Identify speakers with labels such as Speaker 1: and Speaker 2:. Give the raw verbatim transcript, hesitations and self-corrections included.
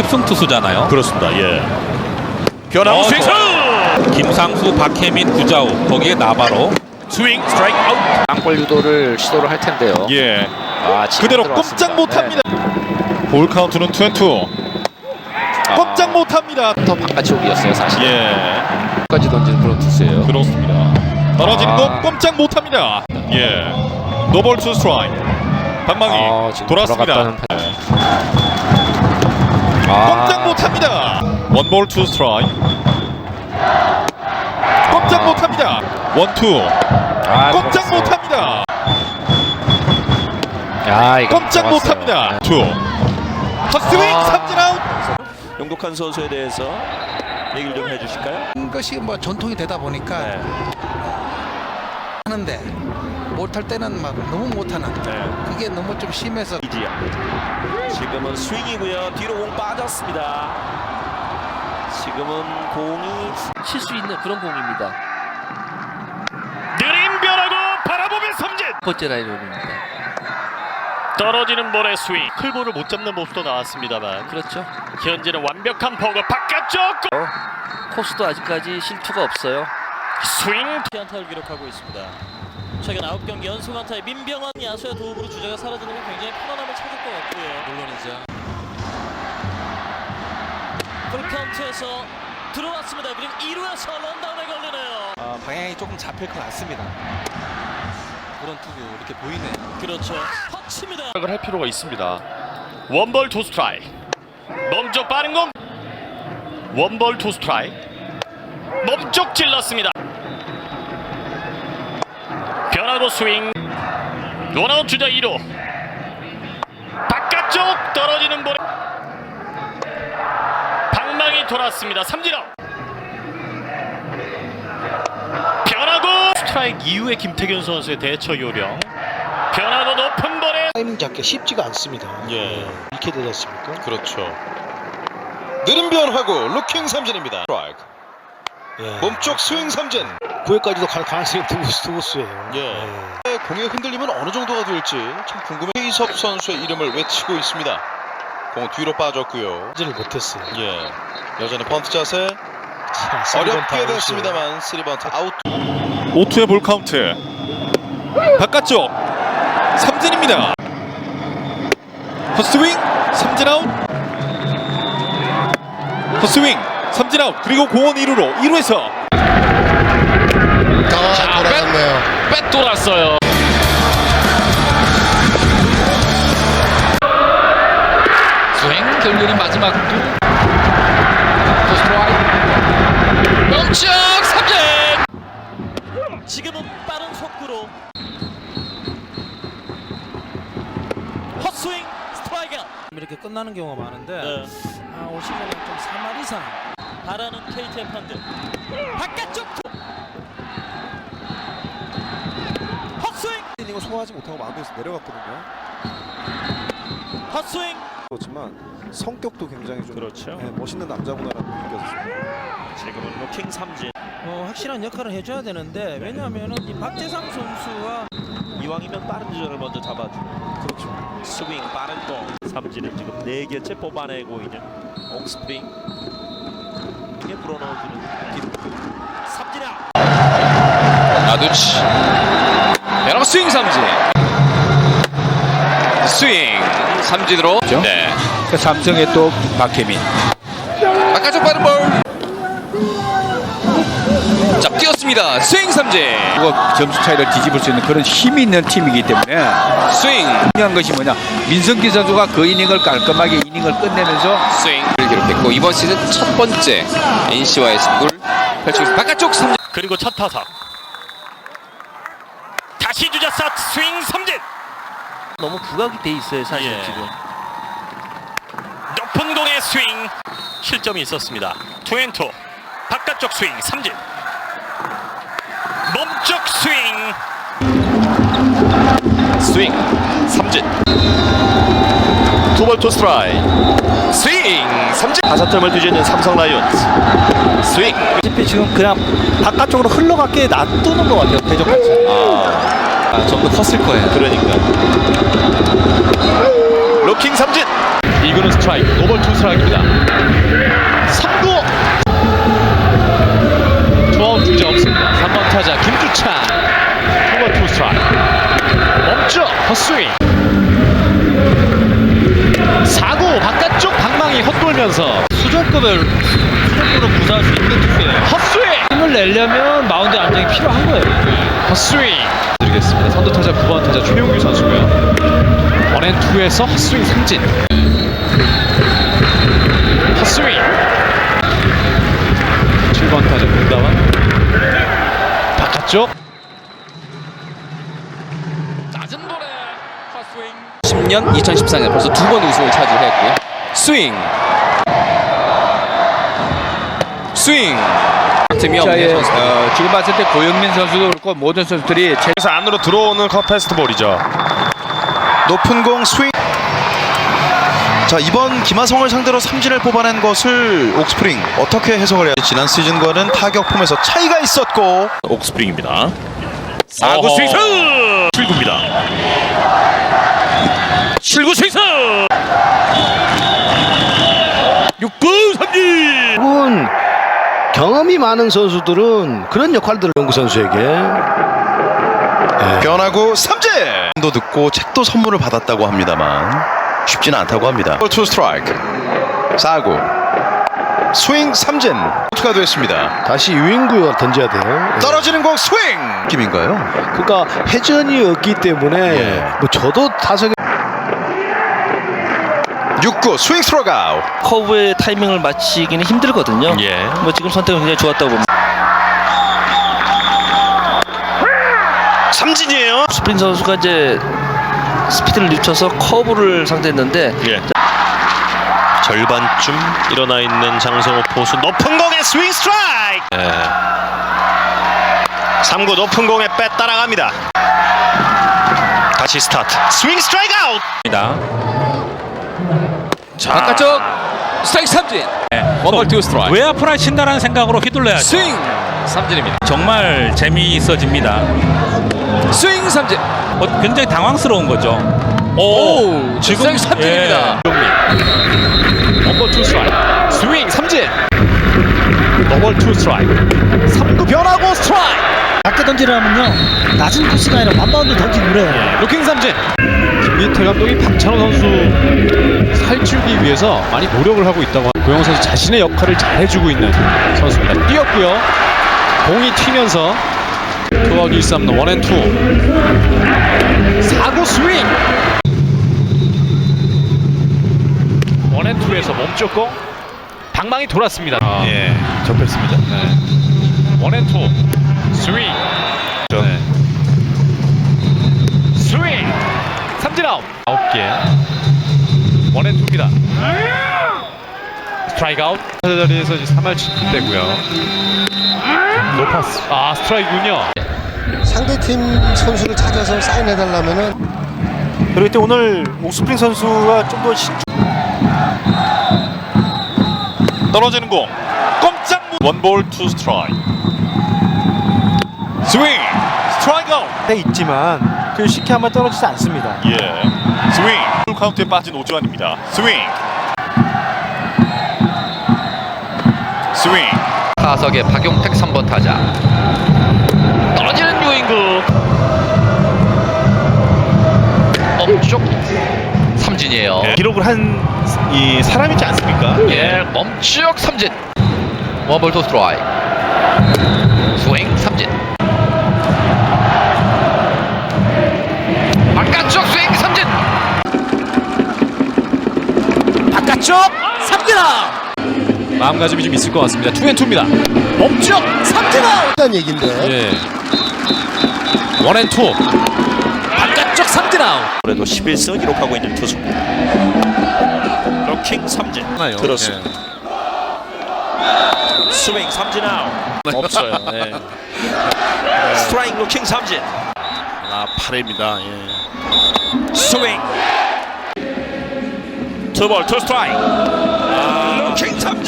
Speaker 1: 우승 투수잖아요.
Speaker 2: 그렇습니다. 예. 변화구
Speaker 1: 어,
Speaker 2: 스윙.
Speaker 1: 김상수, 박혜민, 구자우, 거기에 나바로.
Speaker 2: 스윙 스트라이크 아웃.
Speaker 3: 땅볼 유도를 시도를 할 텐데요.
Speaker 2: 예.
Speaker 3: 아, 지금
Speaker 2: 그대로
Speaker 3: 들어왔습니다.
Speaker 2: 꼼짝 못합니다.
Speaker 3: 네.
Speaker 2: 볼 카운트는 투 앤 투. 꼼짝 못합니다.
Speaker 3: 더 바깥쪽이었어요 사실.
Speaker 2: 예.
Speaker 3: 까지 던지는 그런 투수예요.
Speaker 2: 그렇습니다. 떨어지는
Speaker 3: 아.
Speaker 2: 공 꼼짝 못합니다. 예. 노볼 투 스트라이크. 방망이
Speaker 3: 아, 지금
Speaker 2: 돌았습니다.
Speaker 3: 들어갔다는 판-
Speaker 2: 예.
Speaker 3: 아.
Speaker 2: 꼼짝 못합니다. 원볼 투 스트라이크. 꼼짝
Speaker 3: 아.
Speaker 2: 못합니다. 원투.
Speaker 3: 아,
Speaker 2: 꼼짝
Speaker 3: 들어갔어요.
Speaker 2: 못합니다.
Speaker 3: 야, 이거
Speaker 2: 꼼짝
Speaker 3: 들어갔어요.
Speaker 2: 못합니다. 투. 헛스윙
Speaker 3: 아.
Speaker 2: 삼진 아웃.
Speaker 4: 용독한 선수에 대해서 얘기를 좀 해주실까요?
Speaker 5: 것이 뭐 전통이 되다 보니까
Speaker 4: 네.
Speaker 5: 하는데 못할 때는 막 너무 못하는
Speaker 4: 네.
Speaker 5: 그게 너무 좀 심해서
Speaker 4: 이지야. 지금은 스윙이고요. 뒤로 공 빠졌습니다. 지금은 공이
Speaker 6: 칠 수 있는 그런 공입니다.
Speaker 2: 느린 변화구 바라보면 삼진.
Speaker 6: 첫 번째 라인업입니다.
Speaker 2: 떨어지는 볼의 스윙. 클볼을 못 잡는 모습도 나왔습니다만
Speaker 6: 그렇죠.
Speaker 2: 현재는 완벽한 버그 바깥쪽
Speaker 6: 코스도 아직까지 실투가 없어요.
Speaker 2: 스윙.
Speaker 7: 안타를 기록하고 있습니다. 최근 아홉 경기 연속 안타에 민병헌 야수의 도움으로 주자가 사라지는 건 굉장히 편안함을 찾을 것 같고요. 물론이죠. 풀카운트에서 들어왔습니다. 그리고 이 루에서 런다운에 걸리네요.
Speaker 8: 아, 방향이 조금 잡힐 것 같습니다. 그런 투구 이렇게 보이네요.
Speaker 7: 그렇죠. 터치입니다.
Speaker 2: 생각을 할 필요가 있습니다. 원볼 투 스트라이크. 몸쪽 빠른 공. 원볼 투 스트라이크. 몸쪽 찔렀습니다. 변화구 스윙. 원아웃 주자 이 루. 바깥쪽 떨어지는 볼에 방망이 돌았습니다. 삼진 아웃. 변화구 스트라이크 이후에 김태균 선수의 대처 요령. 변화구 높은 볼에
Speaker 9: 타이밍 잡기가 쉽지가 않습니다.
Speaker 2: 예.
Speaker 9: 이렇게 되지 않습니까?
Speaker 2: 그렇죠. 느린 변화구 루킹 삼진입니다. 스트라이크.
Speaker 9: 예.
Speaker 2: 몸쪽 스윙 삼진.
Speaker 9: 구 회까지도 갈 가능성이 두고수, 두고수예요.
Speaker 2: 예. 공의 흔들림은 어느 정도가 될지 참 궁금해. 이섭 선수의 이름을 외치고 있습니다. 공 뒤로 빠졌고요.
Speaker 9: 를 못했어요.
Speaker 2: 예. 여전히 번트 자세.
Speaker 9: 자, 쓰리 번트
Speaker 2: 어렵게
Speaker 9: 아웃이에요.
Speaker 2: 됐습니다만 쓰리 번트 아웃. 오 투의 볼 카운트. 바깥쪽 삼진입니다. 헛스윙 삼진 아웃. 헛스윙 삼진 아웃. 그리고 공원 일 루로 일 루에서
Speaker 9: 자, 돌아갔네요.
Speaker 3: 뺏 돌았어요. 스윙 결국에는 마지막 투. 스트라이크. 멈쩍 삼진.
Speaker 7: 지금은 빠른 속구로 헛스윙 스트라이크.
Speaker 8: 이렇게 끝나는 경우가 많은데
Speaker 7: 네.
Speaker 8: 아, 올 시즌은 좀 삼 할 이상
Speaker 7: 바라는 케이티의 판들. 바깥쪽 투. 헛스윙.
Speaker 8: 이닝을 소화하지 못하고 마운드에서 내려갔거든요.
Speaker 7: 헛스윙.
Speaker 8: 그렇지만 성격도 굉장히 좀
Speaker 4: 그렇죠.
Speaker 8: 네, 멋있는 남자구나라는 게 느껴졌습니다.
Speaker 4: 지금은 로킹 삼진.
Speaker 8: 어, 확실한 역할을 해줘야 되는데 왜냐하면은 이 박재상 선수가
Speaker 4: 이왕이면 빠른 주자를 먼저 잡아주는.
Speaker 8: 그렇죠.
Speaker 4: 스윙 빠른 공. 삼진을 지금 네 개째 뽑아내고 있는 옥스프링. 이게 불어넣어주는 기록. 삼진 아웃.
Speaker 3: 나두치. 변화구 스윙 삼진. 스윙 삼진으로. 네.
Speaker 1: 삼성의 또 박혜민.
Speaker 3: 바깥쪽 빠른 볼. 자, 뛰었습니다. 스윙 삼진.
Speaker 1: 그거 점수 차이를 뒤집을 수 있는 그런 힘이 있는 팀이기 때문에
Speaker 3: 스윙.
Speaker 1: 중요한 것이 뭐냐, 민성기 선수가 그 이닝을 깔끔하게 이닝을 끝내면서
Speaker 3: 스윙을 기록했고 이번 시즌 첫 번째 엔씨와의 승부를 펼치고 있습니다. 바깥쪽 삼진.
Speaker 2: 그리고 첫 타석. 다시 주자 스타트 스윙 삼진.
Speaker 6: 너무 부각이 돼 있어요 사실
Speaker 2: 예.
Speaker 6: 지금.
Speaker 2: 높은 공의 스윙. 실점이 있었습니다. 투 앤 투. 바깥쪽 스윙 삼진. 몸쪽 스윙. 스윙 삼진. 투볼 투 스트라이크. 스윙 삼진. 다섯 점을 뒤지는 삼성 라이온즈. 스윙.
Speaker 8: 지금 그냥 바깥쪽으로 흘러가게 놔두는 것 같아요. 대적같이.
Speaker 3: 아, 좀 더 컸을 거예요.
Speaker 2: 그러니까. 로킹 삼진. 이구는 스트라이크. 노볼 투 스트라이크입니다.
Speaker 10: 던지면서
Speaker 4: 수준급을 수준급으로 구사할 수 있는 투수예요.
Speaker 10: 헛스윙.
Speaker 4: 힘을 내려면 마운드 안정이 필요한 거예요.
Speaker 10: 헛스윙 드리겠습니다. 선두 타자 구 번 타자 최용규 선수고요. 원앤투에서 헛스윙 삼진. 헛스윙. 칠 번 타자 문다원 바깥쪽.
Speaker 3: 십 년 이천십사 년 벌써 두 번 우승을 차지했고요. 스윙. 스윙. 틈이 없는
Speaker 1: 자의,
Speaker 3: 선수.
Speaker 1: 어, 지금 봤을 때 고영민 선수도 그렇고 모든 선수들이 제
Speaker 2: 그래서 안으로 들어오는 컵 패스트볼이죠.
Speaker 11: 높은 공 스윙. 자, 이번 김하성을 상대로 삼진을 뽑아낸 것을 옥스프링 어떻게 해석을 해야 지 지난 시즌과는 타격 폼에서 차이가 있었고.
Speaker 2: 옥스프링입니다. 사 구 스윙스 칠 구입니다. 칠 구 스윙스 육 구 삼진.
Speaker 9: 결국은 경험이 많은 선수들은 그런 역할들을 연구 선수에게 네.
Speaker 11: 변화구 삼진. 도 듣고 책도 선물을 받았다고 합니다만 쉽지는 않다고 합니다. 투 스트라이크. 사 구 스윙 삼진. 투가 됐습니다.
Speaker 9: 다시 유인구가 던져야 돼요. 네.
Speaker 11: 떨어지는 공 스윙. 느낌인가요?
Speaker 9: 그러니까 회전이 없기 때문에
Speaker 11: 예.
Speaker 9: 뭐 저도 타석에
Speaker 11: 육 구 스윙 스트라이크 아웃.
Speaker 6: 커브의 타이밍을 맞추기는 힘들거든요.
Speaker 2: 예.
Speaker 6: 뭐 지금 선택은 굉장히 좋았다고 봅니다.
Speaker 2: 삼진이에요.
Speaker 6: 스프링 선수가 이제 스피드를 늦춰서 커브를 상대했는데
Speaker 2: 예. 절반쯤 일어나 있는 장성호 포수 높은 공에 스윙 스트라이크. 예. 삼 구 높은 공에 빼 따라갑니다. 다시 스타트. 스윙 스트라이크 아웃.
Speaker 3: 자, 바깥쪽 스트라이크 삼진. 원볼 투 스트라이크.
Speaker 4: 왜 앞으로 친다라는 생각으로 휘둘러야죠.
Speaker 3: 스윙 삼진입니다.
Speaker 4: 정말 재미있어집니다.
Speaker 3: 스윙 삼진.
Speaker 4: 어, 굉장히 당황스러운 거죠.
Speaker 3: 오, 지금 스트라이크 삼진입니다.
Speaker 10: 원볼 투 스트라이크. 스윙 삼진. 원볼 투 스트라이크. 삼 구 변화구 스트라이크.
Speaker 4: 아까 던지라면요 낮은 코스가 아니라 완바운드 던지고 그래요.
Speaker 10: 루킹 삼진. 김민태 감독이 박찬호 선수 살주기 위해서 많이 노력을 하고 있다고. 고영 선수 자신의 역할을 잘 해주고 있는 선수입니다. 뛰었고요. 공이 튀면서 투하기 일 삼 원앤투. 사 구 스윙. 원앤투에서 멈췄고 방망이 돌았습니다. 아,
Speaker 2: 예. 접했습니다.
Speaker 10: 네. 원앤투 스윙. 네. 스윙 삼진 아웃. 아홉 개. 원앤투입니다. 스트라이크 아웃. 타자 자리에서 이제 삼 할 칠 푼 되고요. 높았어. 아, 스트라이크군요.
Speaker 9: 상대팀 선수를 찾아서 사인해달라면은
Speaker 4: 그럴 때 오늘 옥스프링 선수가 좀 더
Speaker 2: 떨어지는 공. 꼼짝 무. 원볼 투 스트라이크. 스윙 스트라이크 아웃.
Speaker 4: 있지만 그 쉽게 하면 떨어지지 않습니다.
Speaker 2: 예. 스윙. 풀 카운트에 빠진 오주환입니다. 스윙. 스윙.
Speaker 3: 타석의 박용택 삼 번 타자. 떨어지는 유인구. 멈쪽 삼진이에요.
Speaker 2: 기록을 한 이 사람이지 않습니까?
Speaker 3: 예, 멈쪽 삼진. 원볼 투 스트라이크. 스윙 삼진. 바깥쪽 스윙 삼진.
Speaker 10: 바깥쪽 삼진 아웃. 마음가짐이 좀 있을 것 같습니다. 투앤투입니다. 멈쪽 삼진 아웃.
Speaker 9: 일단 얘긴데
Speaker 10: 예. 원앤투. 바깥쪽 삼진 아웃.
Speaker 4: 그래도 십일 승을 기록하고 있는 투수. 로킹 삼진. 그렇습니다. 스윙 삼진 아웃. 없어요. 네. 스트라이크 로킹 삼진. 아, 팔 회입니다. 예. 스윙. 투볼 투 스트라이크. 아, 로킹 삼진.